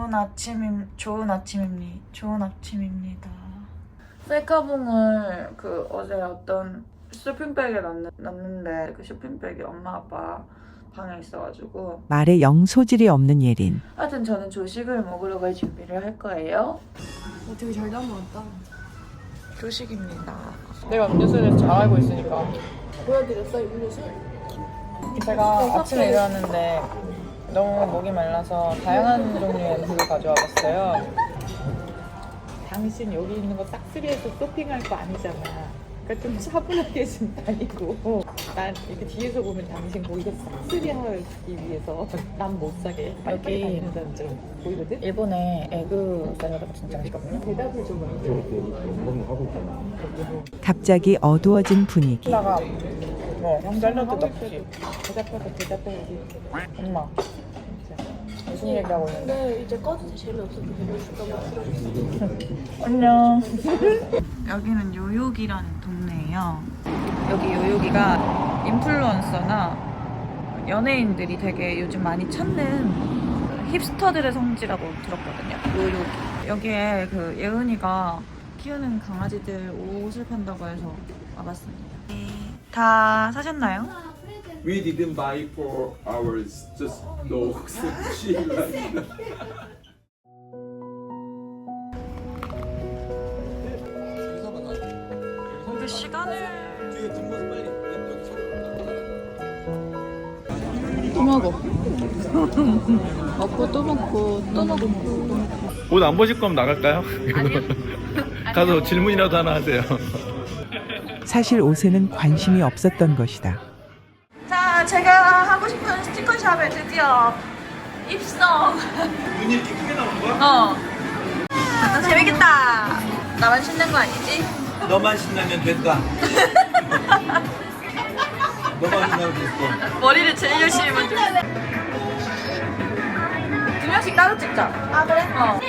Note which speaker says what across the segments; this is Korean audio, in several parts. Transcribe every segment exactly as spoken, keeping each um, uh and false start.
Speaker 1: 좋은 아침임 좋은 아침입니다. 좋은 아침입니다. 셀카봉을 그 어제 어떤 쇼핑백에 놨는, 놨는데 그 쇼핑백이 엄마 아빠 방에 있어가지고
Speaker 2: 말에 영 소질이 없는 예린.
Speaker 1: 하여튼 저는 조식을 먹으러 갈 준비를 할 거예요.
Speaker 3: 어, 되게 잘 담아왔다.
Speaker 1: 조식입니다. 내가 음료수를 잘 알고 있으니까.
Speaker 3: 보여드렸어, 음료수?
Speaker 1: 제가 아침에 일어났는데 너무 목이 말라서 다양한 종류의 물을 가져와 봤어요.
Speaker 4: 당신 여기 있는 거 싹쓸이해서 쇼핑할 거 아니잖아. 그러니까 좀 차분하게 좀 다니고. 난 이렇게 뒤에서 보면 당신 뭐 이거 싹쓸이하기 위해서 난 못 사게 빨리 다니는 사람처럼 보이거든?
Speaker 1: 일본에 에그 샐러드가 진짜 맛있거든요.
Speaker 4: 대답을 좀 해.
Speaker 2: 갑자기 어두워진 분위기.
Speaker 1: 다가 뭐 샐러드 넣지.
Speaker 4: 대답하고 대답해.
Speaker 1: 엄마 무슨 얘기하고 있는데?
Speaker 3: 근데 이제 꺼도 재미없어서 별로 줄까 봐.
Speaker 1: 안녕. 여기는 요요기라는 동네예요. 여기 요요기가 인플루언서나 연예인들이 되게 요즘 많이 찾는 힙스터들의 성지라고 들었거든요. 요요기. 여기에 그 예은이가 키우는 강아지들 옷을 판다고 해서 와봤습니다. 다 사셨나요?
Speaker 5: We didn't buy for ours, just dogs. She liked.
Speaker 1: 이게 시간을
Speaker 3: 또 먹어. 먹고 또 먹고 또 먹고.
Speaker 5: 옷 안 보실 거면 나갈까요? 가서 질문이라도 하나 하세요.
Speaker 2: 사실 옷에는 관심이 없었던 것이다.
Speaker 1: 자, 제가 하고 싶은 스티커샵에 드디어 입성.
Speaker 5: 눈이 이렇게 크게 나오는 거야?
Speaker 1: 어. 아, 재밌겠다. 나만 신는 거 아니지?
Speaker 5: 너만 신나면 된다. 너만 신나면 됐어.
Speaker 1: 머리를 제일 열심히 만들두 명씩 따로 찍자. 아, 그래? 어.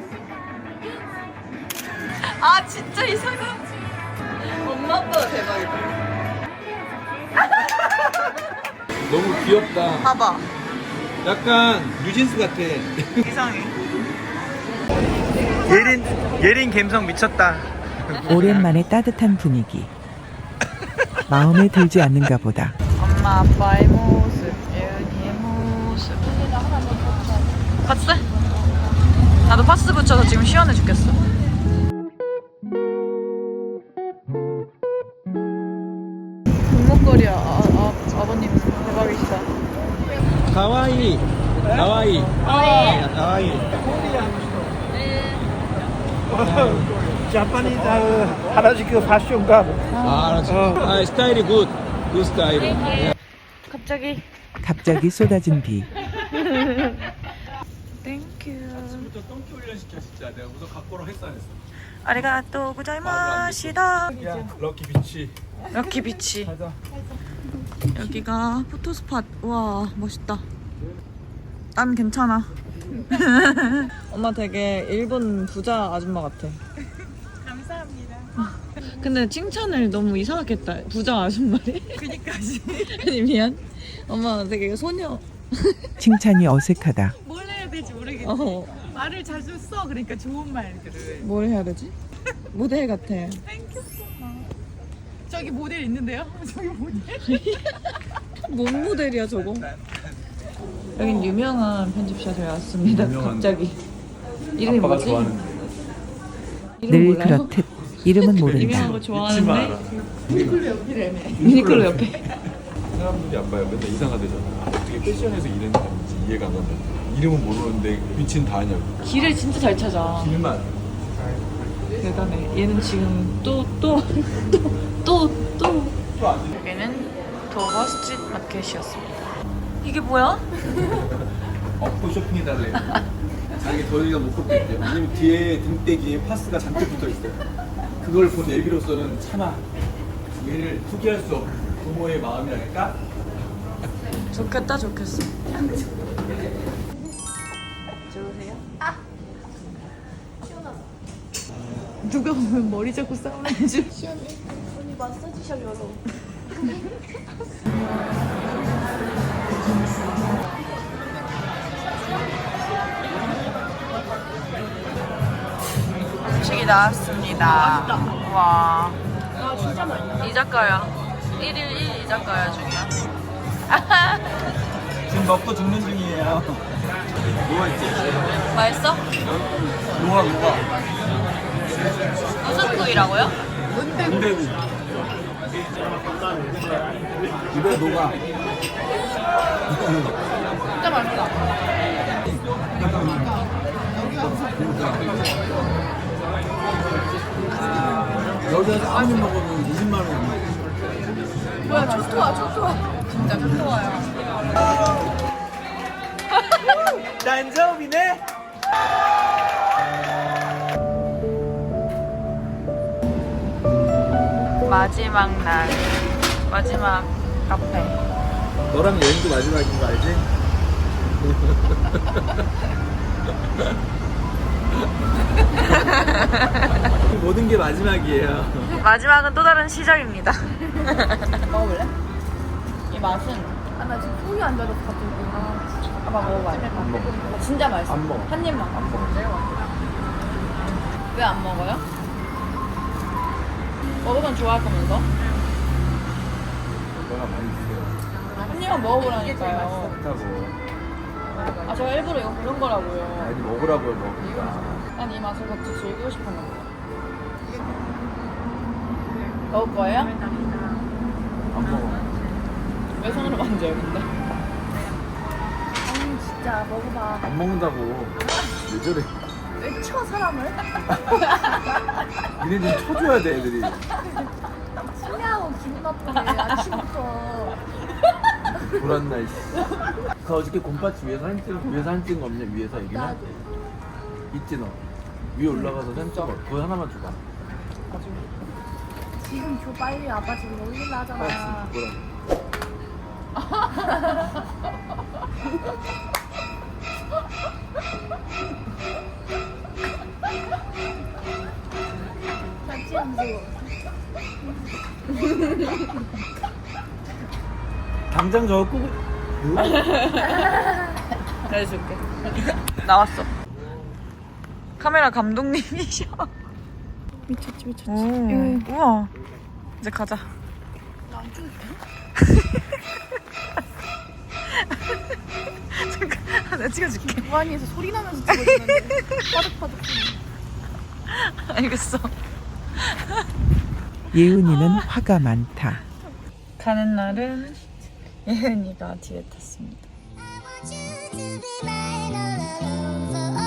Speaker 1: 아, 진짜 이상하지? 엄마 아빠가 대박이다.
Speaker 5: 너무 귀엽다.
Speaker 1: 봐봐.
Speaker 5: 약간 뉴진스 같아.
Speaker 1: 이상해.
Speaker 5: 예린 예린 감성 미쳤다.
Speaker 2: 오랜만에 따뜻한 분위기. 마음에 들지 않는가 보다.
Speaker 1: 엄마 아빠의 모습, 예은이의 모습. 파스? 나도 파스 붙여서 지금 시원해 죽겠어. 금목걸이야. 아, 아, 아버님 대박이시다.
Speaker 5: 가와이. 가와이. 아, 가와이.
Speaker 6: 자파니즈 하라주쿠 패션가
Speaker 5: 아, 알았어. 아, 스타일이 굿. 굿 스타일.
Speaker 1: 갑자기
Speaker 2: 갑자기 쏟아진 비.
Speaker 1: 땡큐.
Speaker 5: 아침부터 똥기 훈련 시켜 진짜. 내가 우선 갖고로 했어 안 했어.
Speaker 1: 아리가또 고자이마시다.
Speaker 5: 야, 럭키 비치.
Speaker 1: 럭키 비치. 여기가 포토스팟. 와, 멋있다. 난 괜찮아. 엄마 되게 일본 부자 아줌마 같아.
Speaker 4: 감사합니다.
Speaker 1: 근데 칭찬을 너무 이상하게 했다. 부자 아줌마래?
Speaker 4: 그니까지.
Speaker 1: 아니 미안. 엄마 되게 소녀.
Speaker 2: 칭찬이 어색하다.
Speaker 4: 뭘 해야 될지 모르겠지.
Speaker 1: 어,
Speaker 4: 말을 자주 써. 그러니까 좋은 말들을.
Speaker 1: 뭘 해야 되지? 모델 같아.
Speaker 4: 땡큐. 저기 모델 있는데요? 저기 모델.
Speaker 1: 뭔 모델이야 저거? 여긴 유명한 편집샵에 왔습니다.
Speaker 5: 유명한-
Speaker 1: 갑자기. 이름이
Speaker 5: 아빠가
Speaker 1: 뭐지?
Speaker 5: 좋아하는
Speaker 1: 이름
Speaker 2: 늘
Speaker 1: 몰라요?
Speaker 2: 그렇듯 이름은
Speaker 1: 유명한
Speaker 2: 모른다.
Speaker 1: 거
Speaker 5: 잊지
Speaker 1: 좋아하는데
Speaker 5: 마라.
Speaker 4: 유니클로 옆이라며.
Speaker 1: 유니클로 옆에.
Speaker 5: 사람들이 안 봐요. 맨날 이상하대잖아. 어떻게 패션에서 일했는지 이해가 안 간다. 이름은 모르는데 위치는 다 아냐고.
Speaker 1: 길을 진짜 잘 찾아.
Speaker 5: 길만.
Speaker 1: 대단해. 얘는 지금 또 또 또 또 또.
Speaker 5: 또 안 돼.
Speaker 1: 여기는 도버 스트리트 마켓이었습니다. 이게 뭐야?
Speaker 5: 업고 쇼핑해달래. 자기 저희가 못 걷겠대. 왜냐면 뒤에 등대기에 파스가 잔뜩 붙어 있어요. 그걸 본 애기로서는 차마 얘를 포기할 수 없는 부모의 마음이랄까?
Speaker 1: 좋겠다 좋겠어.
Speaker 4: 누가 보면 머리 잡고 싸우는 줄.
Speaker 3: 언니 마사지샵 열어.
Speaker 1: 나왔습니다. 와.
Speaker 3: 아 진짜 맛있다.
Speaker 1: 이자카야. 일 일 일 이자카야 중이야.
Speaker 5: 지금 먹고 죽는 중이에요. 뭐가 있지?
Speaker 1: 맛있어?
Speaker 5: 뭐가 뭐가?
Speaker 1: 무슨 구이라고요?
Speaker 5: 군대구. 입에 녹아.
Speaker 3: 진짜 맛있다.
Speaker 5: 여기서 아무리 먹어도 이십만 원.
Speaker 3: 뭐야 초토화 초토화.
Speaker 1: 진짜 좋아요.
Speaker 5: 난점이네.
Speaker 1: 마지막 날. 마지막 카페.
Speaker 5: 너랑 여행도 마지막인 거 알지? 모든 게 마지막이에요.
Speaker 1: 마지막은 또 다른 시작입니다.
Speaker 3: 먹어볼래?
Speaker 1: 이 맛은
Speaker 3: 아 나 지금 속이 안 좋아서 갑자기. 아,
Speaker 1: 아빠 먹어봐.
Speaker 5: 안 먹어.
Speaker 3: 아, 진짜 맛있어.
Speaker 5: 안 먹어.
Speaker 1: 한 입만.
Speaker 5: 안 먹어.
Speaker 1: 왜 안 먹어요? 먹으면 좋아할 거면서?
Speaker 5: 너가 많이 드세요.
Speaker 1: 한 입만 먹어보라니까요.
Speaker 5: 좋다고.
Speaker 1: 아 제가 일부러 이거 고른 거라고요.
Speaker 5: 아니 먹으라고요 먹으니까.
Speaker 1: 난 이 맛을 같이 즐기고 싶었는데. 먹을 거예요?
Speaker 5: 안 먹어.
Speaker 1: 왜 손으로 만져요 근데?
Speaker 3: 아니 진짜 먹어봐.
Speaker 5: 안 먹는다고. 왜 저래?
Speaker 3: 왜 쳐 사람을?
Speaker 5: 니네 좀 쳐줘야 돼 애들이.
Speaker 3: 술래하고 기분 나쁘네 아침부터.
Speaker 5: 불안나 이씨. 그 어저께 곰파치 위에서 사진 찍은 위에서 사진 찍은 거 없냐 위에서 여기는?
Speaker 3: 나도.
Speaker 5: 있지 너. 위에 올라가서 사진 찍어. 그거 하나만 줘봐.
Speaker 3: 지금 줘 빨리. 아빠 지금 놀릴라 하잖아.
Speaker 5: 아 진짜
Speaker 3: 같이 함수.
Speaker 5: 당장 저거 끄고.
Speaker 1: 해줄게. 나왔어. 카메라 감독님이셔.
Speaker 3: 미쳤지 미쳤지.
Speaker 1: 오, 우와. 이제 가자.
Speaker 3: 나안 죽을게.
Speaker 1: 잠깐, 내가 찍어줄게.
Speaker 3: 무한히에서 소리 나면서 찍어주는데 파득파득.
Speaker 1: 알겠어.
Speaker 2: 예은이는 화가 많다.
Speaker 1: 가는 날은 예은이가 뒤에 탔습니다.
Speaker 7: I want you to be mine all alone for